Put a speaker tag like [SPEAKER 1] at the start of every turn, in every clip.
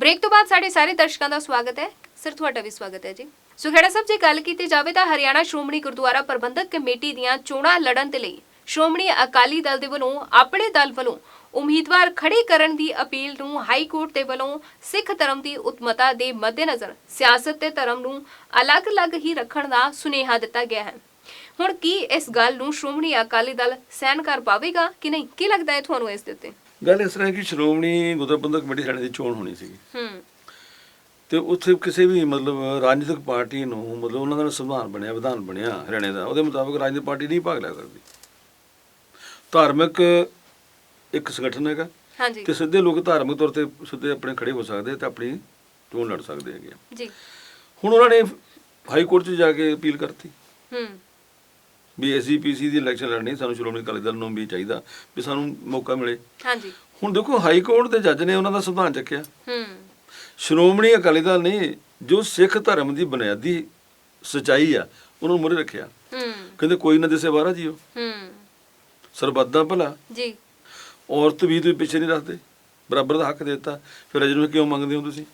[SPEAKER 1] Break ਤੋਂ ਬਾਅਦ ਸਾਡੇ ਸਾਰੇ ਦਰਸ਼ਕਾਂ ਦਾ ਸਵਾਗਤ ਹੈ। ਸਰ ਤੁਹਾਡਾ ਵੀ ਸਵਾਗਤ ਹੈ ਜੀ। ਸੋ ਖੇੜਾ ਸਾਹਿਬ, ਜੇ ਗੱਲ ਕੀਤੀ ਜਾਵੇ ਤਾਂ ਹਰਿਆਣਾ ਸ਼੍ਰੋਮਣੀ ਗੁਰਦੁਆਰਾ ਪ੍ਰਬੰਧਕ ਕਮੇਟੀ ਦੀਆਂ ਚੋਣਾਂ ਲੜਨ ਦੇ ਲਈ ਸ਼੍ਰੋਮਣੀ ਅਕਾਲੀ ਦਲ ਦੇ ਵੱਲੋਂ ਆਪਣੇ ਦਲ ਵੱਲੋਂ ਉਮੀਦਵਾਰ ਖੜੇ ਕਰਨ ਦੀ ਅਪੀਲ ਨੂੰ ਹਾਈ ਕੋਰਟ ਦੇ ਵੱਲੋਂ ਸਿੱਖ ਧਰਮ ਦੀ ਉਤਮਤਾ ਦੇ ਮੱਦੇਨਜ਼ਰ ਸਿਆਸਤ ਤੇ ਧਰਮ ਨੂੰ ਅਲੱਗ-ਅਲੱਗ ਹੀ ਰੱਖਣ ਦਾ ਸੁਨੇਹਾ ਦਿੱਤਾ ਗਿਆ ਹੈ। ਹੁਣ ਕੀ ਇਸ ਗੱਲ ਨੂੰ ਸ਼੍ਰੋਮਣੀ ਅਕਾਲੀ ਦਲ ਸਹਿਣ ਕਰ ਪਾਵੇਗਾ ਕਿ ਨਹੀਂ? ਕੀ ਲੱਗਦਾ ਹੈ ਤੁਹਾਨੂੰ ਇਸ ਦੇ ਉੱਤੇ?
[SPEAKER 2] ਗੱਲ ਇਸ ਤਰ੍ਹਾਂ ਹੈ ਕਿ ਸ਼੍ਰੋਮਣੀ ਗੁਰਦੁਆਰਾ ਪ੍ਰਬੰਧਕ ਕਮੇਟੀ ਹਰਿਆਣੇ ਦੀ ਚੋਣ ਹੋਣੀ ਸੀਗੀ ਤੇ ਉੱਥੇ ਕਿਸੇ ਵੀ ਰਾਜਨੀਤਿਕ ਪਾਰਟੀ ਨੂੰ ਉਹਨਾਂ ਦਾ ਸੰਵਿਧਾਨ ਬਣਿਆ, ਵਿਧਾਨ ਬਣਿਆ ਹਰਿਆਣੇ ਦਾ, ਉਹਦੇ ਮੁਤਾਬਕ ਰਾਜਨੀਤਿਕ ਪਾਰਟੀ ਨਹੀਂ ਭਾਗ ਲੈ ਸਕਦੀ। ਧਾਰਮਿਕ ਇੱਕ ਸੰਗਠਨ ਹੈਗਾ ਤੇ ਸਿੱਧੇ ਲੋਕ ਧਾਰਮਿਕ ਤੌਰ ਤੇ ਸਿੱਧੇ ਆਪਣੇ ਖੜੇ ਹੋ ਸਕਦੇ ਤੇ ਆਪਣੀ ਚੋਣ ਲੜ ਸਕਦੇ ਹੈਗੇ ਜੀ। ਹੁਣ ਉਹਨਾਂ ਨੇ ਹਾਈ ਕੋਰਟ 'ਚ ਜਾ ਕੇ ਅਪੀਲ ਕਰਤੀ ਵੀ SGPC ਦੀ ਇਲੈਕਸ਼ਨ ਲੜਨੀ, ਸਾਨੂੰ ਸ਼੍ਰੋਮਣੀ ਅਕਾਲੀ ਦਲ ਨੂੰ ਵੀ ਚਾਹੀਦਾ ਵੀ ਸਾਨੂੰ ਮੌਕਾ ਮਿਲੇ। ਹੁਣ ਦੇਖੋ, ਹਾਈ ਕੋਰਟ ਦੇ ਜੱਜ ਨੇ ਉਹਨਾਂ ਦਾ ਸੰਵਿਧਾਨ ਚੱਕਿਆ, ਸ਼੍ਰੋਮਣੀ ਅਕਾਲੀ ਦਲ ਨੇ ਜੋ ਸਿੱਖ ਧਰਮ ਦੀ ਬੁਨਿਆਦੀ ਸੱਚਾਈ ਆ ਉਹਨੂੰ ਮੂਹਰੇ ਰੱਖਿਆ। ਕਹਿੰਦੇ ਕੋਈ ਨਾ ਦਿਸੇ ਬਾਹਰਾ ਜੀਓ, ਸਰਬੱਤ ਦਾ ਭਲਾ ਜੀ, ਔਰਤ ਵੀ ਤੁਸੀਂ ਪਿੱਛੇ ਨਹੀਂ ਰੱਖਦੇ, ਬਰਾਬਰ ਦਾ ਹੱਕ ਦੇ ਦਿੱਤਾ, ਫਿਰ ਅਜੇ ਨੂੰ ਕਿਉਂ ਮੰਗਦੇ ਹੋ ਤੁਸੀਂ?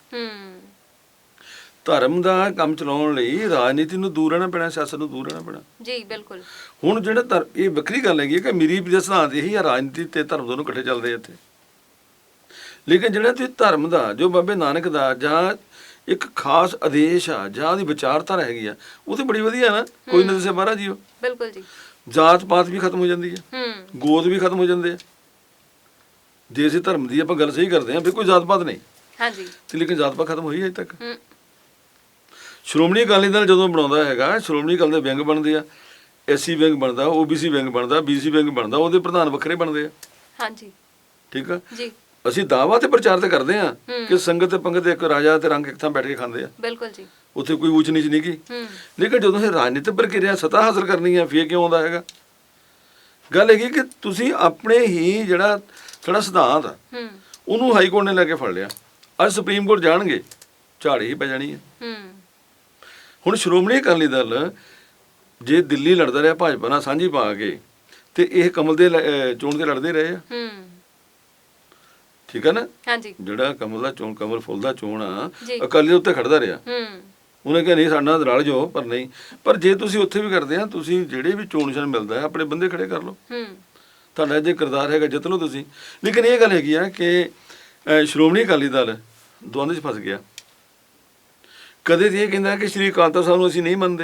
[SPEAKER 2] ਧਰਮ ਦਾ ਕੰਮ ਚਲਾਉਣ ਲਈ ਰਾਜਨੀਤੀ ਨੂੰ ਦੂਰ ਰਹਿਣਾ ਪੈਣਾ, ਸਿਆਸਤ ਨੂੰ ਦੂਰ ਰਹਿਣਾ ਪੈਣਾ ਜੀ। ਬਿਲਕੁਲ। ਹੁਣ ਜਿਹੜਾ ਇਹ ਵੱਖਰੀ ਗੱਲ ਹੈਗੀ ਕਿ ਮੇਰੀ ਵੀ ਸਿਧਾਂਤ ਇਹੀ ਆ, ਰਾਜਨੀਤੀ ਤੇ ਧਰਮ ਦੋਨੋਂ ਇਕੱਠੇ ਚੱਲਦੇ ਇੱਥੇ। ਲੇਕਿਨ ਜਿਹੜਾ ਤੁਸੀਂ ਧਰਮ ਦਾ, ਜੋ ਬਾਬੇ ਨਾਨਕ ਦਾ ਜਾਂ ਇੱਕ ਖਾਸ ਆਦੇਸ਼ ਆ ਜਾਂ ਉਹਦੀ ਵਿਚਾਰਧਾਰਾ ਹੈਗੀ ਆ, ਉਹ ਤੇ ਬੜੀ ਵਧੀਆ ਨਾ, ਕੋਈ ਨਾ ਦਿਸੇ ਬਾਹਰਾ ਜੀਓ। ਬਿਲਕੁਲ ਜੀ। ਜਾਤ ਪਾਤ ਵੀ ਖਤਮ ਹੋ ਜਾਂਦੀ ਹੈ, ਗੋਤ ਵੀ ਖਤਮ ਹੋ ਜਾਂਦੇ ਆ। ਜੇ ਅਸੀਂ ਧਰਮ ਦੀ ਆਪਾਂ ਗੱਲ ਸਹੀ ਕਰਦੇ ਹਾਂ, ਫਿਰ ਕੋਈ ਜਾਤ ਪਾਤ ਨਹੀਂ। ਹਾਂਜੀ। ਤੇ ਲੇਕਿਨ ਜਾਤ ਪਾਤ ਖਤਮ ਹੋਈ ਅਜੇ ਤੱਕ। ਸ਼੍ਰੋਮਣੀ ਅਕਾਲੀ ਦਲ ਜਦੋਂ ਬਣਾਉਂਦਾ ਹੈਗਾ, ਸ਼੍ਰੋਮਣੀ ਅਕਾਲੀ ਦੇ ਵਿੰਗ ਬਣਦੇ ਆ, SC ਵਿੰਗ ਬਣਦਾ, OBC ਵਿੰਗ ਬਣਦਾ, BC ਵਿੰਗ ਬਣਦਾ, ਉਹਦੇ ਪ੍ਰਧਾਨ ਵੱਖਰੇ ਬਣਦੇ ਆ। ਹਾਂਜੀ, ਠੀਕ ਆ ਜੀ। ਅਸੀਂ ਦਾਅਵਾ ਤੇ ਪ੍ਰਚਾਰ ਤੇ ਕਰਦੇ ਆ ਕਿ ਸੰਗਤ ਤੇ ਪੰਗਤ ਇੱਕ ਰਾਜਾ ਤੇ ਰੰਗ ਇੱਕ ਥਾਂ ਬੈਠ ਕੇ ਖਾਂਦੇ ਆ। ਬਿਲਕੁਲ ਜੀ। ਉੱਥੇ ਕੋਈ ਊਚ ਨੀਚ ਨਹੀਂ ਗੀ। ਲੇਕਿਨ ਜਦੋਂ ਇਹ ਰਾਜਨੀਤਿਕ ਪ੍ਰਕਿਰਿਆ ਸੱਤਾ ਹਾਸਲ ਕਰਨੀ ਆ, ਫੇਰ ਕਿਉਂ ਆਉਂਦਾ ਹੈਗਾ? ਗੱਲ ਹੈਗੀ ਕਿ ਤੁਸੀਂ ਆਪਣੇ ਹੀ ਜਿਹੜਾ ਸਾਡਾ ਸਿਧਾਂਤ ਆ ਉਹਨੂੰ ਹਾਈ ਕੋਰਟ ਨੇ ਲੈ ਕੇ ਫੜ ਲਿਆ। ਅੱਜ ਸੁਪਰੀਮ ਕੋਰਟ ਜਾਣਗੇ, ਝਾੜ ਹੀ ਪੈ ਜਾਣੀ ਹੈ। ਹੁਣ ਸ਼੍ਰੋਮਣੀ ਅਕਾਲੀ ਦਲ ਜੇ ਦਿੱਲੀ ਲੜਦਾ ਰਿਹਾ ਭਾਜਪਾ ਨਾਲ ਸਾਂਝੀ ਪਾ ਕੇ, ਤੇ ਇਹ ਕਮਲ ਦੇ ਚੋਣ ਤੇ ਲੜਦੇ ਰਹੇ ਆ। ਠੀਕ ਆ ਨਾ? ਜਿਹੜਾ ਕਮਲ ਦਾ ਚੋਣ, ਕਮਲ ਫੁੱਲ ਦਾ ਚੋਣ ਆ, ਅਕਾਲੀ ਦੇ ਉੱਤੇ ਖੜਦਾ ਰਿਹਾ। ਉਹਨੇ ਕਿਹਾ ਨਹੀਂ, ਸਾਡੇ ਨਾਲ ਰਲ ਜਾਓ, ਪਰ ਨਹੀਂ। ਪਰ ਜੇ ਤੁਸੀਂ ਉੱਥੇ ਵੀ ਕਰਦੇ ਆ, ਤੁਸੀਂ ਜਿਹੜੇ ਵੀ ਚੋਣ ਨਿਸ਼ਾਨ ਮਿਲਦਾ ਆਪਣੇ ਬੰਦੇ ਖੜੇ ਕਰ ਲਓ, ਤੁਹਾਡਾ ਜੇ ਕਿਰਦਾਰ ਹੈਗਾ ਜਿੱਤ ਲਓ ਤੁਸੀਂ। ਲੇਕਿਨ ਇਹ ਗੱਲ ਹੈਗੀ ਆ ਕਿ ਸ਼੍ਰੋਮਣੀ ਅਕਾਲੀ ਦਲ ਦੁਆਂਦੇ 'ਚ ਫਸ ਗਿਆ। ਕਦੇ ਤੇ ਇਹ ਕਹਿੰਦਾ ਕਿ ਸ਼੍ਰੀ ਅਕਾਲ ਤਖ਼ਤ ਸਾਹਿਬ ਨੂੰ ਅਸੀਂ ਨਹੀਂ ਮੰਨਦੇ,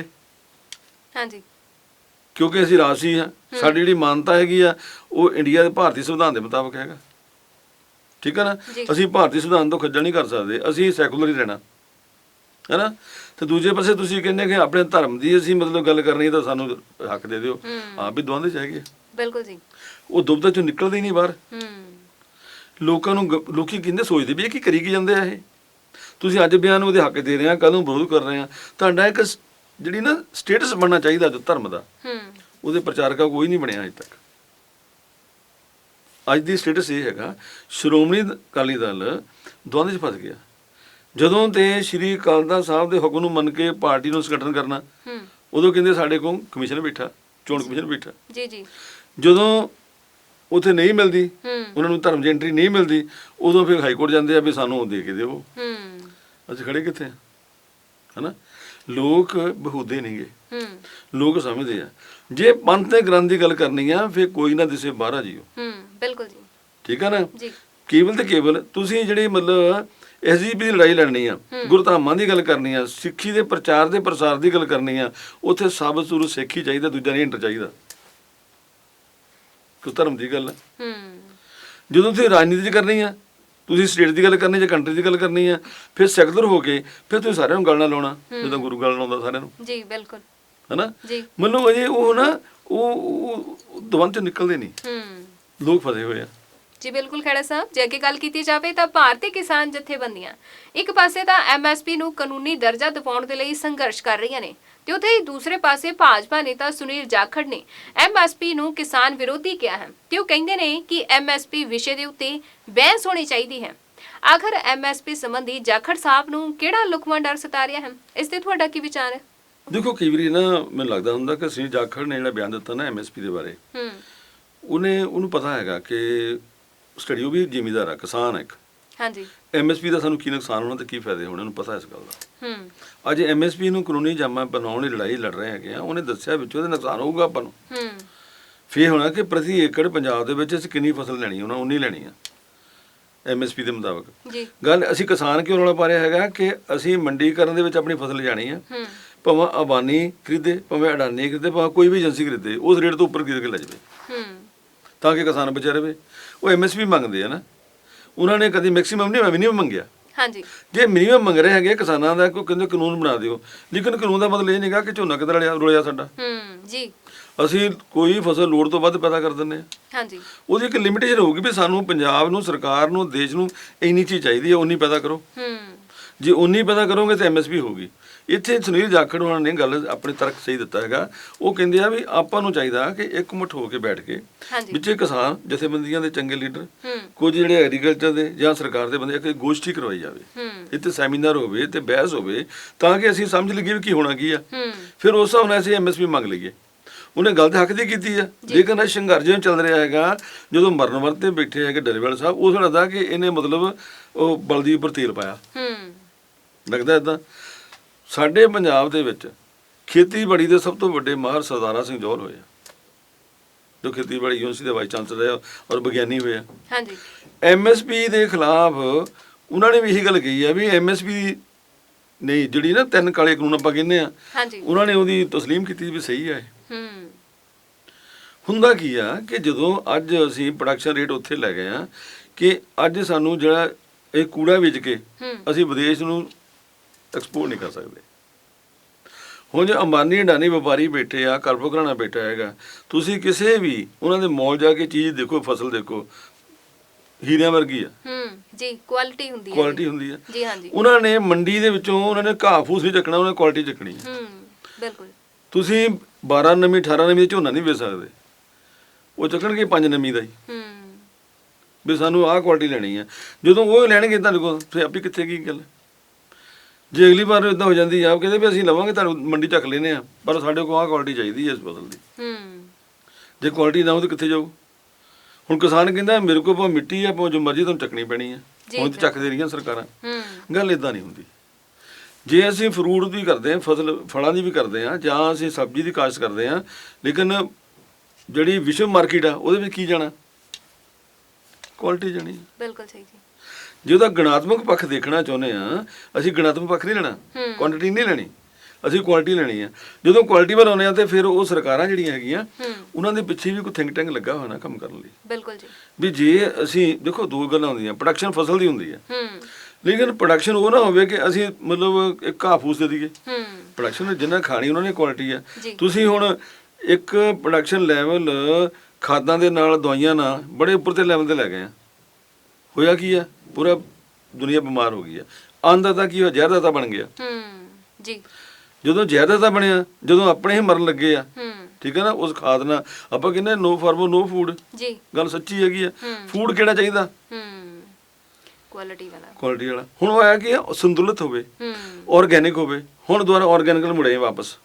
[SPEAKER 2] ਕਿਉਂਕਿ ਅਸੀਂ ਰਾਜਸੀ ਹਾਂ, ਸਾਡੀ ਜਿਹੜੀ ਮਾਨਤਾ ਹੈਗੀ ਆ ਉਹ ਇੰਡੀਆ ਦੇ ਭਾਰਤੀ ਸੰਵਿਧਾਨ ਦੇ ਮੁਤਾਬਕ ਹੈਗਾ। ਠੀਕ ਹੈ ਨਾ? ਅਸੀਂ ਭਾਰਤੀ ਸੰਵਿਧਾਨ ਤੋਂ ਖੱਜਲ ਨਹੀਂ ਕਰ ਸਕਦੇ, ਅਸੀਂ ਸੈਕੂਲਰ ਹੀ ਰਹਿਣਾ ਹੈ ਨਾ। ਤੇ ਦੂਜੇ ਪਾਸੇ ਤੁਸੀਂ ਕਹਿੰਦੇ ਕਿ ਆਪਣੇ ਧਰਮ ਦੀ ਅਸੀਂ ਗੱਲ ਕਰਨੀ ਤਾਂ ਸਾਨੂੰ ਹੱਕ ਦੇ ਦਿਓ। ਆਪ ਵੀ ਦੁਆਂਦੇ 'ਚ ਹੈਗੇ। ਬਿਲਕੁਲ ਜੀ। ਉਹ ਦੁਬਦਾ ਚੋਂ ਨਿਕਲਦੇ ਹੀ ਨਹੀਂ ਬਾਹਰ। ਲੋਕਾਂ ਨੂੰ ਲੋਕੀ ਕਹਿੰਦੇ, ਸੋਚਦੇ ਵੀ ਇਹ ਕੀ ਕਰੀ ਕੀ ਜਾਂਦੇ ਆ ਇਹ। ਤੁਸੀਂ ਅੱਜ ਬਿਆਨ ਉਹਦੇ ਹੱਕ ਦੇ ਰਹੇ ਆ, ਕੱਲ੍ਹ ਨੂੰ ਵਿਰੋਧ ਕਰ ਰਹੇ ਆ। ਤੁਹਾਡਾ ਇੱਕ ਜਿਹੜੀ ਨਾ ਸਟੇਟਸ ਬਣਨਾ ਚਾਹੀਦਾ ਜੋ ਧਰਮ ਦਾ, ਉਹਦੇ ਪ੍ਰਚਾਰਕਾ ਕੋਈ ਨਹੀਂ ਬਣਿਆ ਅਜੇ ਤੱਕ। ਅੱਜ ਦੀ ਸਟੇਟਸ ਇਹ ਹੈਗਾ, ਸ਼੍ਰੋਮਣੀ ਅਕਾਲੀ ਦਲ ਦੁਆਂਦੇ 'ਚ ਫਸ ਗਿਆ। ਜਦੋਂ ਤੇ ਸ਼੍ਰੀ ਅਕਾਲ ਤਖ਼ਤ ਸਾਹਿਬ ਦੇ ਹੁਕਮ ਨੂੰ ਮੰਨ ਕੇ ਪਾਰਟੀ ਨੂੰ ਸੰਗਠਨ ਕਰਨਾ, ਉਦੋਂ ਕਹਿੰਦੇ ਸਾਡੇ ਕੋਲ ਕਮਿਸ਼ਨ ਬੈਠਾ, ਚੋਣ ਕਮਿਸ਼ਨ ਬੈਠਾ। ਜਦੋਂ ਉੱਥੇ ਨਹੀਂ ਮਿਲਦੀ, ਉਹਨਾਂ ਨੂੰ ਧਰਮ ਦੀ ਐਂਟਰੀ ਨਹੀਂ ਮਿਲਦੀ, ਉਦੋਂ ਫਿਰ ਹਾਈ ਕੋਰਟ ਜਾਂਦੇ ਆ ਵੀ ਸਾਨੂੰ ਦੇ ਕੇ ਦਿਓ। ਅਸੀਂ ਖੜੇ ਕਿੱਥੇ ਹੈ ਨਾ? ਲੋਕ ਬਹੂਦੇ ਨਹੀਂ ਗੇ, ਲੋਕ ਸਮਝਦੇ ਆ ਜੇ ਪੰਥ ਤੇ ਗ੍ਰੰਥ ਦੀ ਗੱਲ ਕਰਨੀ ਆ, ਫਿਰ ਕੋਈ ਨਾ ਦਿਸੇ ਬਾਹਰਾ ਜੀਓ। ਬਿਲਕੁਲ ਜੀ। ਠੀਕ ਆ ਨਾ? ਕੇਵਲ ਤੇ ਕੇਵਲ ਤੁਸੀਂ ਜਿਹੜੀ SGP ਦੀ ਲੜਾਈ ਲੜਨੀ ਆ, ਗੁਰਧਾਮਾਂ ਦੀ ਗੱਲ ਕਰਨੀ ਆ, ਸਿੱਖੀ ਦੇ ਪ੍ਰਚਾਰ ਦੇ ਪ੍ਰਸਾਰ ਦੀ ਗੱਲ ਕਰਨੀ ਆ, ਉੱਥੇ ਸਭ ਸੁਰੂ ਸਿੱਖ ਹੀ ਚਾਹੀਦਾ, ਦੂਜਾ ਨਹੀਂ ਐਂਟਰ ਚਾਹੀਦਾ। ਧਰਮ ਦੀ ਗੱਲ ਹੈ। ਜਦੋਂ ਤੁਸੀਂ ਰਾਜਨੀਤੀ 'ਚ ਕਰਨੀ ਆ, ਤੁਸੀਂ ਸਟੇਟ ਦੀ ਗੱਲ ਕਰਨੀ ਜਾਂ ਕੰਟਰੀ ਦੀ ਗੱਲ ਕਰਨੀ ਆ, ਫਿਰ ਸੈਕੂਲਰ ਹੋ ਕੇ ਫਿਰ ਤੁਸੀਂ ਸਾਰਿਆਂ ਨੂੰ ਗੱਲ ਨਾਲ ਲਾਉਣਾ, ਜਦੋਂ ਗੁਰੂ ਗੱਲ ਲਾਉਂਦਾ ਸਾਰਿਆਂ ਨੂੰ। ਜੀ ਬਿਲਕੁਲ। ਹੈ ਨਾ? ਅਜੇ ਉਹ ਨਾ ਉਹ ਦਵੰਦ 'ਚ ਨਿਕਲਦੇ ਨਹੀਂ, ਲੋਕ ਫਸੇ ਹੋਏ ਆ। ਜੀ ਬਿਲਕੁਲ ਖੇੜਾ ਸਾਹਿਬ, ਜੇ ਅੱਗੇ ਗੱਲ ਕੀਤੀ ਜਾਵੇ ਤਾਂ ਭਾਰਤੀ ਕਿਸਾਨ ਜਥੇਬੰਦੀਆਂ ਇੱਕ ਪਾਸੇ ਤਾਂ MSP ਨੂੰ ਕਾਨੂੰਨੀ ਦਰਜਾ ਦਿਵਾਉਣ ਦੇ ਲਈ ਸੰਘਰਸ਼ ਕਰ ਰਹੀਆਂ ਨੇ, ਤੇ ਉੱਥੇ ਹੀ ਦੂਸਰੇ ਪਾਸੇ ਭਾਜਪਾ ਨੇਤਾ ਸੁਨੀਲ ਜਾਖੜ ਨੇ MSP ਨੂੰ ਕਿਸਾਨ ਵਿਰੋਧੀ ਕਿਹਾ ਹੈ, ਤੇ ਉਹ ਕਹਿੰਦੇ ਨੇ ਕਿ MSP ਵਿਸ਼ੇ ਦੇ ਉੱਤੇ ਬਹਿਸ ਹੋਣੀ ਚਾਹੀਦੀ ਹੈ। ਆਖਰ MSP ਸੰਬੰਧੀ ਜਾਖੜ ਸਾਹਿਬ ਨੂੰ ਕਿਹੜਾ ਲੁਕਵਾਂ ਡਰ ਸਤਾ ਰਿਹਾ ਹੈ? ਇਸ ਤੇ ਤੁਹਾਡਾ ਕੀ ਵਿਚਾਰ ਹੈ? ਦੇਖੋ, ਕਈ ਵਾਰੀ ਨਾ ਮੈਨੂੰ ਲੱਗਦਾ ਹੁੰਦਾ ਕਿ ਸੁਨੀਲ ਜਾਖੜ ਨੇ ਜਿਹੜਾ ਬਿਆਨ ਦਿੱਤਾ ਨਾ MSP ਦੇ ਬਾਰੇ, ਉਹਨੂੰ ਪਤਾ ਹੈਗਾ ਕਿ ਸਟੱਡੀ, ਉਹ ਵੀ ਜ਼ਿਮੀਂਦਾਰ ਆ, ਕਿਸਾਨ ਆ ਇੱਕ,
[SPEAKER 1] ਹਾਂਜੀ
[SPEAKER 2] ਐਮਐਸਪੀ ਦਾ ਸਾਨੂੰ ਕੀ ਨੁਕਸਾਨ ਹੋਣਾ ਤੇ ਕੀ ਫਾਇਦੇ ਹੋਣੇ, ਉਹਨੂੰ ਪਤਾ ਇਸ ਗੱਲ ਦਾ।
[SPEAKER 1] ਹੂੰ
[SPEAKER 2] ਅੱਜ ਐਮਐਸਪੀ ਨੂੰ ਕਾਨੂੰਨੀ ਜਾਮਾ ਬਣਾਉਣ ਦੀ ਲੜਾਈ ਲੜ ਰਹੇ ਹੈਗੇ ਆ, ਉਹਨੇ ਦੱਸਿਆ ਵਿੱਚ ਉਹਦੇ ਨੁਕਸਾਨ ਹੋਊਗਾ ਆਪਾਂ ਨੂੰ।
[SPEAKER 1] ਹੂੰ
[SPEAKER 2] ਫੇਰ ਹੋਣਾ ਕਿ ਪ੍ਰਤੀ ਏਕੜ ਪੰਜਾਬ ਦੇ ਵਿੱਚ ਅਸੀਂ ਕਿੰਨੀ ਫਸਲ ਲੈਣੀ, ਉਹਨਾਂ ਉਨੀ ਲੈਣੀ ਆ ਐਮਐਸਪੀ ਦੇ ਮੁਤਾਬਕ।
[SPEAKER 1] ਜੀ
[SPEAKER 2] ਗੱਲ ਅਸੀਂ ਕਿਸਾਨ ਕਿਉਂ ਰੌਲਾ ਪਾ ਰਿਹਾ ਹੈਗਾ ਕਿ ਅਸੀਂ ਮੰਡੀਕਰਨ ਦੇ ਵਿੱਚ ਆਪਣੀ ਫਸਲ ਲਿਜਾਣੀ ਆ,
[SPEAKER 1] ਹੂੰ
[SPEAKER 2] ਭਾਵੇਂ ਅਬਾਨੀ ਖਰੀਦੇ, ਭਾਵੇਂ ਅਡਾਨੀ ਖਰੀਦੇ, ਭਾਵੇਂ ਕੋਈ ਵੀ ਏਜੰਸੀ ਖਰੀਦੇ, ਉਸ ਰੇਟ ਤੋਂ ਉੱਪਰ ਖਰੀਦ ਕੇ ਲੈ ਜਾਵੇ
[SPEAKER 1] ਹੂੰ
[SPEAKER 2] ਤਾਂ ਕਿ ਕਿਸਾਨ ਬਚਿਆ ਰਵੇ। ਉਹ ਐਮਐਸਪੀ ਮੰਗਦੇ ਆ ਨਾ, ਉਹਨਾਂ ਨੇ ਕਦੀ ਮੈਕਸਿਮਮ ਨਹੀਂ ਮਿਨੀਮਮ ਮੰਗਿਆ।
[SPEAKER 1] ਹਾਂਜੀ
[SPEAKER 2] ਜੇ ਮਿਨੀਮਮ ਮੰਗ ਰਹੇ ਹੈਗੇ ਕਿਸਾਨਾਂ ਦਾ, ਕੋਈ ਕਹਿੰਦੇ ਕਾਨੂੰਨ ਬਣਾ ਦਿਓ, ਲੇਕਿਨ ਕਾਨੂੰਨ ਦਾ ਮਤਲਬ ਇਹ ਨਹੀਂਗਾ ਕਿ ਝੋਨਾ ਕਿੱਧਰ ਰੁਲਿਆ ਸਾਡਾ।
[SPEAKER 1] ਜੀ
[SPEAKER 2] ਅਸੀਂ ਕੋਈ ਫਸਲ ਲੋੜ ਤੋਂ ਵੱਧ ਪੈਦਾ ਕਰ ਦਿੰਦੇ ਹਾਂ।
[SPEAKER 1] ਹਾਂਜੀ
[SPEAKER 2] ਉਹਦੀ ਇੱਕ ਲਿਮਿਟੇਸ਼ਨ ਹੋਊਗੀ ਵੀ ਸਾਨੂੰ ਪੰਜਾਬ ਨੂੰ, ਸਰਕਾਰ ਨੂੰ, ਦੇਸ਼ ਨੂੰ ਇੰਨੀ ਚੀਜ਼ ਚਾਹੀਦੀ ਹੈ, ਉਨੀ ਪੈਦਾ ਕਰੋ। ਜੇ ਉਨੀ ਪੈਦਾ ਕਰੋਗੇ ਤਾਂ ਐਮਐਸਪੀ ਹੋਊਗੀ। ਇੱਥੇ ਸੁਨੀਲ ਜਾਖੜ ਹੋਣਾ ਨੇ ਗੱਲ ਆਪਣੇ ਤਰਕ ਸਹੀ ਦਿੱਤਾ ਹੈਗਾ। ਉਹ ਕਹਿੰਦੇ ਆ ਵੀ ਆਪਾਂ ਨੂੰ ਚਾਹੀਦਾ ਕਿ ਇੱਕਮੁੱਠ ਹੋ ਕੇ ਬੈਠ ਕੇ ਵਿੱਚੇ ਕਿਸਾਨ ਜਥੇਬੰਦੀਆਂ ਦੇ ਚੰਗੇ ਲੀਡਰ, ਕੁਝ ਜਿਹੜੇ ਐਗਰੀਕਲਚਰ ਦੇ ਜਾਂ ਸਰਕਾਰ ਦੇ ਬੰਦੇ, ਇੱਕ ਗੋਸ਼ਟੀ ਕਰਵਾਈ ਜਾਵੇ, ਇੱਥੇ ਸੈਮੀਨਾਰ ਹੋਵੇ ਤੇ ਬਹਿਸ ਹੋਵੇ ਤਾਂ ਕਿ ਅਸੀਂ ਸਮਝ ਲਈਏ ਵੀ ਕੀ ਹੋਣਾ ਕੀ ਆ। ਫਿਰ ਉਸ ਹਿਸਾਬ ਨਾਲ ਅਸੀਂ ਐਮਐਸਪੀ ਮੰਗ ਲਈਏ। ਉਹਨੇ ਗੱਲ ਤਾਂ ਹੱਕ ਦੀ ਕੀਤੀ ਆ, ਲੇਕਿਨ ਇਹ ਸੰਘਰਸ਼ ਜਿਹਾ ਚੱਲ ਰਿਹਾ ਹੈਗਾ। ਜਦੋਂ ਮਰਨ ਵਰਤ ਤੇ ਬੈਠੇ ਹੈਗੇ ਡੱਲੇਵਾਲ ਸਾਹਿਬ, ਉਹ ਲੱਗਦਾ ਕਿ ਇਹਨੇ ਮਤਲਬ ਉਹ ਬਲਦੀ ਉੱਪਰ ਤੇਲ ਪਾਇਆ, ਲੱਗਦਾ ਇੱਦਾਂ। ਸਾਡੇ ਪੰਜਾਬ ਦੇ ਵਿੱਚ ਖੇਤੀਬਾੜੀ ਦੇ ਸਭ ਤੋਂ ਵੱਡੇ ਮਾਹਰ ਸਰਦਾਰਾ ਸਿੰਘ ਜੌਹਲ ਹੋਏ ਆ, ਜੋ ਖੇਤੀਬਾੜੀ ਯੂਨੀਵਰਸਿਟੀ ਦੇ ਵਾਈਸ ਚਾਂਸਲਰ ਆ ਔਰ ਵਿਗਿਆਨੀ ਹੋਏ ਆ।
[SPEAKER 1] ਹਾਂਜੀ
[SPEAKER 2] ਐਮਐਸਪੀ ਦੇ ਖਿਲਾਫ ਉਹਨਾਂ ਨੇ ਵੀ ਇਹੀ ਗੱਲ ਕਹੀ ਆ ਵੀ ਐਮਐਸਪੀ ਨਹੀਂ, ਜਿਹੜੀ ਨਾ 3 ਕਾਲੇ ਕਾਨੂੰਨ ਆਪਾਂ ਕਹਿੰਦੇ ਆ, ਉਹਨਾਂ ਨੇ ਉਹਦੀ ਤਸਲੀਮ ਕੀਤੀ ਵੀ ਸਹੀ ਆ। ਹੁੰਦਾ ਕੀ ਆ ਕਿ ਜਦੋਂ ਅੱਜ ਅਸੀਂ ਪ੍ਰੋਡਕਸ਼ਨ ਰੇਟ ਉੱਥੇ ਲੈ ਗਏ ਆ ਕਿ ਅੱਜ ਸਾਨੂੰ ਜਿਹੜਾ ਇਹ ਕੂੜਾ ਵੇਚ ਕੇ ਅਸੀਂ ਵਿਦੇਸ਼ ਨੂੰ ਐਕਸਪੋਰਟ ਨਹੀਂ ਕਰ ਸਕਦੇ। ਹੁਣ ਜੇ ਅੰਬਾਨੀ ਅਡਾਨੀ ਵਪਾਰੀ ਬੈਠੇ ਆ, ਕਰਪੋ ਘਰਾਣਾ ਬੈਠਾ ਹੈਗਾ, ਤੁਸੀਂ ਕਿਸੇ ਵੀ ਉਹਨਾਂ ਦੇ ਮੌਲ ਜਾ ਕੇ ਚੀਜ਼ ਦੇਖੋ, ਫਸਲ ਦੇਖੋ, ਹੀਰਿਆਂ ਵਰਗੀ ਆ।
[SPEAKER 1] ਜੀ ਕੁਆਲਿਟੀ ਹੁੰਦੀ ਹੈ,
[SPEAKER 2] ਕੁਆਲਿਟੀ ਹੁੰਦੀ ਆ
[SPEAKER 1] ਜੀ। ਹਾਂਜੀ
[SPEAKER 2] ਉਹਨਾਂ ਨੇ ਮੰਡੀ ਦੇ ਵਿੱਚੋਂ ਉਹਨਾਂ ਨੇ ਘਾਹ ਫੂਸ ਨਹੀਂ ਚੱਕਣਾ, ਉਹਨਾਂ ਨੇ ਕੁਆਲਿਟੀ ਚੱਕਣੀ ਹੈ।
[SPEAKER 1] ਬਿਲਕੁਲ
[SPEAKER 2] ਤੁਸੀਂ 12 ਨਵੀਂ 18 ਨਵੀਂ ਝੋਨਾ ਨਹੀਂ ਵੇਚ ਸਕਦੇ, ਉਹ ਚੱਕਣਗੇ 5 ਨਵੀਂ ਦਾ ਹੀ ਵੀ ਸਾਨੂੰ ਆਹ ਕੁਆਲਿਟੀ ਲੈਣੀ ਆ। ਜਦੋਂ ਉਹ ਲੈਣਗੇ ਤੁਹਾਡੇ ਕੋਲ, ਫਿਰ ਆਪੀ ਕਿੱਥੇ ਕੀ ਗੱਲ। ਜੇ ਅਗਲੀ ਵਾਰ ਇਦਾਂ ਹੋ ਜਾਂਦੀ ਆ, ਕਹਿੰਦੇ ਵੀ ਅਸੀਂ ਲਵਾਂਗੇ ਤੁਹਾਨੂੰ ਮੰਡੀ ਚੱਕ ਲੈਨੇ ਆ, ਪਰ ਸਾਡੇ ਕੋਲ ਆਹ ਕੁਆਲਿਟੀ ਚਾਹੀਦੀ ਹੈ ਇਸ ਫਸਲ ਦੀ। ਜੇ ਕੁਆਲਿਟੀ ਨਾ ਹੋ ਤਾਂ ਕਿੱਥੇ ਜਾਊ। ਹੁਣ ਕਿਸਾਨ ਕਹਿੰਦਾ ਮੇਰੇ ਕੋਲ ਭਾਵੇਂ ਮਿੱਟੀ ਆ, ਭਾਵੇਂ ਜੋ ਮਰਜ਼ੀ ਤੁਹਾਨੂੰ ਚੱਕਣੀ ਪੈਣੀ ਆ, ਹੁਣ ਤਾਂ ਚੱਕਦੇ ਰਹੀਆਂ ਸਰਕਾਰਾਂ। ਗੱਲ ਇਦਾਂ ਨਹੀਂ ਹੁੰਦੀ। ਜੇ ਅਸੀਂ ਫਰੂਟ ਦੀ ਕਰਦੇ ਹਾਂ, ਫਲਾਂ ਦੀ ਵੀ ਕਰਦੇ ਹਾਂ, ਜਾਂ ਅਸੀਂ ਸਬਜ਼ੀ ਦੀ ਕਾਸ਼ਤ ਕਰਦੇ ਹਾਂ, ਲੇਕਿਨ ਜਿਹੜੀ ਵਿਸ਼ਵ ਮਾਰਕੀਟ ਆ ਉਹਦੇ ਵਿੱਚ ਕੀ ਜਾਣਾ, ਕੁਆਲਿਟੀ ਜਾਣੀ।
[SPEAKER 1] ਬਿਲਕੁਲ ਸਹੀ ਜੀ।
[SPEAKER 2] ਜੇ ਉਹਦਾ ਗੁਣਾਤਮਕ ਪੱਖ ਦੇਖਣਾ ਚਾਹੁੰਦੇ ਆ, ਅਸੀਂ ਗੁਣਾਤਮਕ ਪੱਖ ਨਹੀਂ ਲੈਣਾ, ਕੁਆਂਟੀਟੀ ਨਹੀਂ ਲੈਣੀ, ਅਸੀਂ ਕੁਆਲਿਟੀ ਲੈਣੀ ਆ। ਜਦੋਂ ਕੁਆਲਿਟੀ ਵੱਲ ਆਉਂਦੇ ਆ ਤੇ ਫਿਰ ਉਹ ਸਰਕਾਰਾਂ ਜਿਹੜੀਆਂ ਹੈਗੀਆਂ ਉਹਨਾਂ ਦੇ ਪਿੱਛੇ ਵੀ ਕੋਈ ਥਿੰਕ ਟੈਂਕ ਲੱਗਾ ਹੋਇਆ ਨਾ ਕੰਮ ਕਰਨ ਲਈ।
[SPEAKER 1] ਬਿਲਕੁਲ ਜੀ। ਵੀ
[SPEAKER 2] ਜੇ ਅਸੀਂ ਦੇਖੋ, ਦੋ ਗੱਲਾਂ ਹੁੰਦੀਆਂ, ਪ੍ਰੋਡਕਸ਼ਨ ਫਸਲ ਦੀ ਹੁੰਦੀ ਹੈ, ਲੇਕਿਨ ਪ੍ਰੋਡਕਸ਼ਨ ਉਹ ਨਾ ਹੋਵੇ ਕਿ ਅਸੀਂ ਮਤਲਬ ਇੱਕ ਘਾਹ ਫੂਸ ਦੇ ਦਈਏ। ਪ੍ਰੋਡਕਸ਼ਨ ਜਿੰਨਾ ਖਾਣੀ ਉਹਨਾਂ ਨੇ ਕੁਆਲਿਟੀ ਆ। ਤੁਸੀਂ ਹੁਣ ਇੱਕ ਪ੍ਰੋਡਕਸ਼ਨ ਲੈਵਲ ਖਾਦਾਂ ਦੇ ਨਾਲ, ਦਵਾਈਆਂ ਨਾਲ ਬੜੇ ਉੱਪਰ ਤੇ ਲੈਵਲ ਤੇ ਲੈ ਗਏ ਆ। ਹੋਇਆ ਕੀ ਆ, ਪੂਰਾ ਦੁਨੀਆ ਬਿਮਾਰ ਹੋ ਗਈ ਆ। ਅੰਨਦਾਤਾ ਕੀ ਹੋਇਆ, ਜ਼ਹਿਰਦਾਤਾ ਬਣ ਗਿਆ।
[SPEAKER 1] ਜੀ
[SPEAKER 2] ਜਦੋਂ ਜ਼ਹਿਰਦਾਤਾ ਬਣਿਆ, ਜਦੋਂ ਆਪਣੇ ਹੀ ਮਰਨ ਲੱਗੇ ਆ, ਠੀਕ ਹੈ ਨਾ, ਉਸ ਖਾਦ ਨਾਲ ਆਪਾਂ ਕਹਿੰਦੇ ਨੋ ਫਾਰਮਰ ਨੋ ਫੂਡ। ਜੀ ਗੱਲ ਸੱਚੀ ਹੈਗੀ ਆ। ਫੂਡ ਕਿਹੜਾ ਚਾਹੀਦਾ,
[SPEAKER 1] ਕੁਆਲਿਟੀ ਵਾਲਾ।
[SPEAKER 2] ਕੁਆਲਿਟੀ ਵਾਲਾ। ਹੁਣ ਉਹ ਆਇਆ ਕਿ ਸੰਤੁਲਿਤ ਹੋਵੇ, ਆਰਗੈਨਿਕ ਹੋਵੇ। ਹੁਣ ਦੁਬਾਰਾ ਆਰਗੈਨਿਕ ਨੂੰ ਮੁੜੇ ਵਾਪਸ।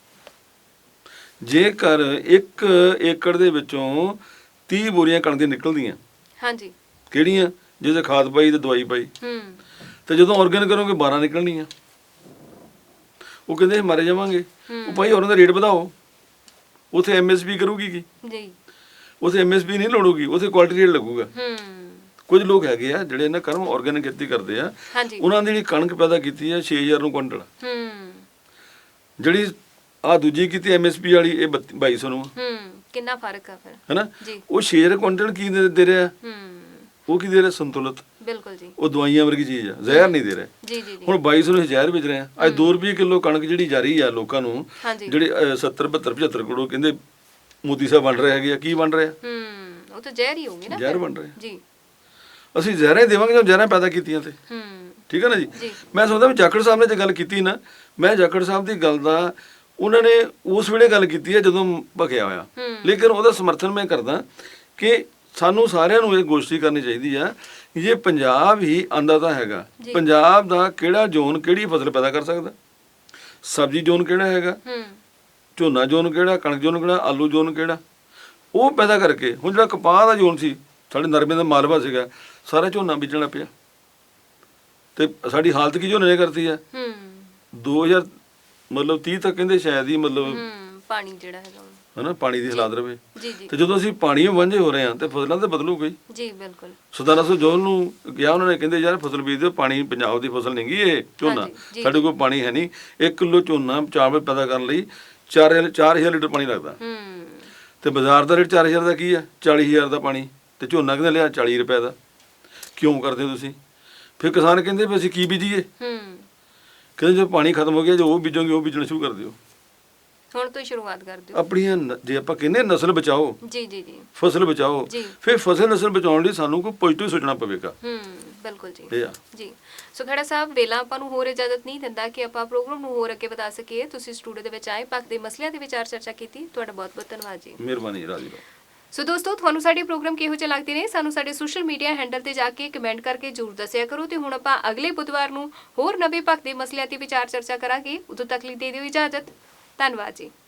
[SPEAKER 2] ਜੇਕਰ 1 ਏਕੜ ਦੇ ਵਿੱਚੋਂ 30 ਬੋਰੀਆਂ ਕਣਕ ਦੀਆਂ ਨਿਕਲਦੀਆਂ, ਹਾਂਜੀ, ਕਿਹੜੀਆਂ, ਜਿਹਦੇ ਖਾਦ ਪਾਈ ਤੇ ਦਵਾਈ ਪਾਈ, ਤੇ ਜਦੋਂ ਆਰਗੈਨਿਕ ਕਰੋਗੇ 12 ਨਿਕਲਣੀਆਂ। ਉਹ ਕਹਿੰਦੇ ਮਾਰੇ ਜਾਵਾਂਗੇ। ਉਹ ਭਾਈ ਉਹਨਾਂ ਦਾ ਰੇਟ ਵਧਾਓ, ਉੱਥੇ ਐਮਐਸਪੀ ਕਰੂਗੀ ਕੀ ਜੀ, ਉੱਥੇ ਐਮਐਸਪੀ ਨਹੀਂ ਲੋੜੂਗੀ, ਉੱਥੇ ਕੁਆਲਿਟੀ ਰੇਟ ਲੱਗੂਗਾ। ਕੁਝ ਲੋਕ ਹੈਗੇ ਆ ਜਿਹੜੇ ਇਹਨਾਂ ਕਰਮ ਆਰਗੈਨਿਕ ਖੇਤੀ ਕਰਦੇ ਆ, ਉਹਨਾਂ ਦੀ ਜਿਹੜੀ ਕਣਕ ਪੈਦਾ ਕੀਤੀ ਆ 6000 ਨੂੰ ਕੁਇੰਟਲ, ਜਿਹੜੀ ਆ ਦੂਜੀ ਕੀਤੀ ਐਮਐਸਪੀ ਵਾਲੀ ਇਹ 2200 ਨੂੰ।
[SPEAKER 1] ਕਿੰਨਾ ਫਰਕ ਆ ਫਿਰ, ਹੈਨਾ।
[SPEAKER 2] ਉਹ 6000 ਕੁਇੰਟਲ ਕੀ ਦੇ ਰਿਹਾ, ਉਹ ਕੀ ਦੇ ਰਿਹਾ, ਸੰਤੁਲਿਤ। ਬਿਲਕੁਲ ਜੀ। ਉਹ ਦਵਾਈਆਂ ਵਰਗੀ ਚੀਜ਼ ਆ, ਜ਼ਹਿਰ ਨਹੀਂ ਦੇ ਰਿਹਾ। ਜੀ ਜੀ। ਹੁਣ 2200 ਨੂੰ ਜ਼ਹਿਰ ਵੇਚ ਰਹੇ ਆ। ਅੱਜ 2 ਰੁਪਏ ਕਿਲੋ ਕਣਕ ਜਿਹੜੀ ਜਾ ਰਹੀ ਆ ਲੋਕਾਂ ਨੂੰ, ਜਿਹੜੇ 70 72 75 ਕਰੋੜ ਕਹਿੰਦੇ ਮੋਦੀ ਸਾਹਿਬ ਬਣ ਰਹੇ ਹੈਗੇ ਆ, ਕੀ ਬਣ ਰਿਹਾ,
[SPEAKER 1] ਉਹ ਤਾਂ ਜ਼ਹਿਰ ਹੀ ਹੋਊਗੀ ਨਾ, ਜ਼ਹਿਰ ਬਣ ਰਿਹਾ ਜੀ।
[SPEAKER 2] ਅਸੀਂ ਜ਼ਹਿਰਾਂ ਹੀ ਦੇਵਾਂਗੇ ਜਦੋਂ ਜ਼ਹਿਰਾਂ ਪੈਦਾ ਕੀਤੀਆਂ ਤੇ, ਠੀਕ ਹੈ ਨਾ ਜੀ। ਮੈਂ ਸੋਚਦਾ ਵੀ ਜਾਖੜ ਸਾਹਿਬ ਨੇ ਜੇ ਗੱਲ ਕੀਤੀ ਨਾ, ਮੈਂ ਜਾਖੜ ਸਾਹਿਬ ਦੀ ਗੱਲ ਦਾ ਉਹਨਾਂ ਨੇ ਉਸ ਵੇਲੇ ਗੱਲ ਕੀਤੀ ਹੈ ਜਦੋਂ ਭਖਿਆ ਹੋਇਆ, ਲੇਕਿਨ ਉਹਦਾ ਸਮਰਥਨ ਮੈਂ ਕਰਦਾ ਕਿ ਸਾਨੂੰ ਸਾਰਿਆਂ ਨੂੰ ਇਹ ਗੋਸ਼ਟੀ ਕਰਨੀ ਚਾਹੀਦੀ ਆ। ਜੇ ਪੰਜਾਬ ਹੀ ਅੰਨਦਾਤਾ ਹੈਗਾ, ਪੰਜਾਬ ਦਾ ਕਿਹੜਾ ਜ਼ੋਨ ਕਿਹੜੀ ਫਸਲ ਪੈਦਾ ਕਰ ਸਕਦਾ, ਸਬਜ਼ੀ ਜ਼ੋਨ ਕਿਹੜਾ ਹੈਗਾ, ਝੋਨਾ ਜ਼ੋਨ ਕਿਹੜਾ, ਕਣਕ ਜ਼ੋਨ ਕਿਹੜਾ, ਆਲੂ ਜ਼ੋਨ ਕਿਹੜਾ, ਉਹ ਪੈਦਾ ਕਰਕੇ। ਹੁਣ ਜਿਹੜਾ ਕਪਾਹ ਦਾ ਜ਼ੋਨ ਸੀ, ਸਾਡੇ ਨਰਮੇ ਦਾ ਮਾਲਵਾ ਸੀਗਾ, ਸਾਰਾ ਝੋਨਾ ਬੀਜਣਾ ਪਿਆ। ਤੇ ਸਾਡੀ ਹਾਲਤ ਕੀ ਝੋਨੇ ਨੇ ਕਰਤੀ ਹੈ।
[SPEAKER 1] ਹੂੰ
[SPEAKER 2] 2000 ਮਤਲਬ 30 ਤੱਕ ਕਹਿੰਦੇ ਸ਼ਾਇਦ ਹੀ ਮਤਲਬ
[SPEAKER 1] ਪਾਣੀ ਜਿਹੜਾ ਹੈਗਾ
[SPEAKER 2] ਹਨਾ ਪਾਣੀ ਦੀ ਹਾਲਾਤ ਰਵੇ।
[SPEAKER 1] ਜੀ ਜੀ
[SPEAKER 2] ਤੇ ਜਦੋਂ ਅਸੀਂ ਪਾਣੀ ਵਾਂਝੇ ਹੋ ਰਹੇ ਹਾਂ ਤੇ ਫਸਲਾਂ ਤਾਂ ਬਦਲੂਗਾ ਹੀ।
[SPEAKER 1] ਜੀ ਬਿਲਕੁਲ।
[SPEAKER 2] ਸਰਦਾਰ ਅਸਲ ਜੋਹਲ ਨੂੰ ਕਿਹਾ ਉਹਨਾਂ ਨੇ, ਕਹਿੰਦੇ ਯਾਰ ਫਸਲ ਬੀਜ ਦਿਓ, ਪਾਣੀ ਪੰਜਾਬ ਦੀ ਫਸਲ ਨਹੀਂ ਗੀ ਇਹ ਝੋਨਾ, ਸਾਡੇ ਕੋਲ ਪਾਣੀ ਹੈ ਨਹੀਂ। 1 ਕਿਲੋ ਝੋਨਾ ਚਾਵਲ ਪੈਦਾ ਕਰਨ ਲਈ 4000 ਲੀਟਰ ਪਾਣੀ ਲੱਗਦਾ। ਤੇ ਬਾਜ਼ਾਰ ਦਾ ਰੇਟ 4000 ਦਾ ਕੀ ਹੈ, 40000 ਦਾ ਪਾਣੀ, ਤੇ ਝੋਨਾ ਕਹਿੰਦੇ ਲਿਆ 40 ਰੁਪਏ ਦਾ। ਕਿਉਂ ਕਰਦੇ ਹੋ ਤੁਸੀਂ? ਫਿਰ ਕਿਸਾਨ ਕਹਿੰਦੇ ਵੀ ਅਸੀਂ ਕੀ ਬੀਜੀਏ? ਕਹਿੰਦੇ ਜਦੋਂ ਪਾਣੀ ਖਤਮ ਹੋ ਗਿਆ, ਜੋ ਉਹ ਬੀਜੋਗੇ ਉਹ ਬੀਜਣਾ ਸ਼ੁਰੂ ਕਰ ਦਿਓ।
[SPEAKER 1] ਹੁਣ ਤੋਂ ਸ਼ੁਰੂਆਤ ਕਰ ਦਿਓ
[SPEAKER 2] ਆਪਣੀਆਂ ਜੇ ਆਪਾਂ ਕਹਿੰਦੇ ਨਸਲ ਬਚਾਓ,
[SPEAKER 1] ਜੀ ਜੀ ਜੀ
[SPEAKER 2] ਫਸਲ ਬਚਾਓ, ਫਿਰ ਫਸਲ ਨਸਲ ਬਚਾਉਣ ਲਈ ਸਾਨੂੰ ਕੋਈ ਪੋਜ਼ਿਟਿਵ ਸੋਚਣਾ ਪਵੇਗਾ।
[SPEAKER 1] ਬਿਲਕੁਲ ਜੀ
[SPEAKER 2] ਇਹ ਆ
[SPEAKER 1] ਜੀ। ਸੋ ਖੜਾ ਸਾਹਿਬ, ਵੇਲਾ ਆਪਾਂ ਨੂੰ ਹੋਰ ਇਜਾਜ਼ਤ ਨਹੀਂ ਦਿੰਦਾ ਕਿ ਆਪਾਂ ਪ੍ਰੋਗਰਾਮ ਨੂੰ ਹੋਰ ਅੱਗੇ ਵਧਾ ਸਕੀਏ। ਤੁਸੀਂ ਸਟੂਡੀਓ ਦੇ ਵਿੱਚ ਆਏ, ਪੱਖ ਦੇ ਮਸਲਿਆਂ ਦੇ ਵਿਚਾਰ ਚਰਚਾ ਕੀਤੀ, ਤੁਹਾਡਾ ਬਹੁਤ ਬਹੁਤ ਧੰਨਵਾਦ ਜੀ।
[SPEAKER 2] ਮਿਹਰਬਾਨੀ ਰਾਜੀ।
[SPEAKER 1] ਸੋ ਦੋਸਤੋ, ਤੁਹਾਨੂੰ ਸਾਡੇ ਪ੍ਰੋਗਰਾਮ ਕਿਹੋ ਜਿਹੇ ਲੱਗਦੇ ਨੇ ਸਾਨੂੰ ਸਾਡੇ ਸੋਸ਼ਲ ਮੀਡੀਆ ਹੈਂਡਲ ਤੇ ਜਾ ਕੇ ਕਮੈਂਟ ਕਰਕੇ ਜ਼ਰੂਰ ਦੱਸਿਆ ਕਰੋ। ਤੇ ਹੁਣ ਆਪਾਂ ਅਗਲੇ ਬੁੱਧਵਾਰ ਨੂੰ ਹੋਰ ਨਵੇਂ ਪੱਖ ਦੇ ਮਸਲਿਆਂ ਤੇ ਵਿਚਾਰ ਚਰਚਾ ਕਰਾਂਗੇ। ਉਦੋਂ ਤੱਕ ਲਈ ਦੇ ਦਿਓ ਇਜਾਜ਼ਤ। ਧੰਨਵਾਦ ਜੀ।